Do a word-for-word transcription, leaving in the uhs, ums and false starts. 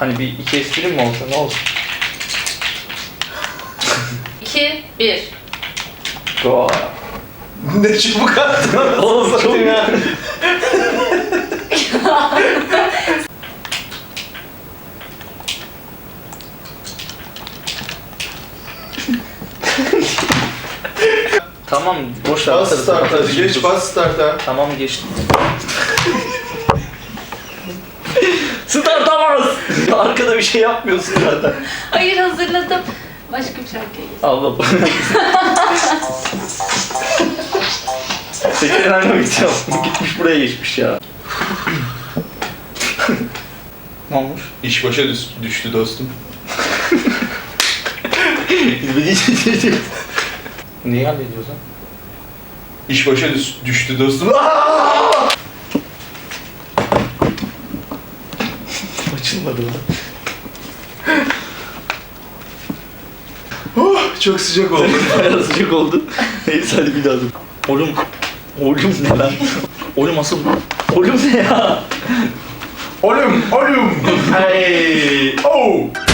Hani bir iki esprim mi olsa ne olsun? iki, bir. Go. Ne çubuk attın? Oğlum çok ya. Tamam boş ver. Bas atarız, start'a, atarız. geç bas start'a. Tamam geçtim. Start atamaz. Arkada bir şey yapmıyorsun zaten. Hayır hazırladım. Başka bir şarkıya geç. Allah. Tekrar mı gideceğim? Gitmiş buraya geçmiş ya. Ne olmuş? İş başa düş- düştü dostum. Neyi hallediyorsun? İş başa düş- düştü dostum. Aa! Açılmadı lan. Oh, çok sıcak oldu. Bayağı sıcak oldu. Neyse hadi bir daha dur. Oğlum. Oğlum ne lan? Oğlum asıl. Oğlum ne ya? Oğlum, oğlum. Hey. Oh.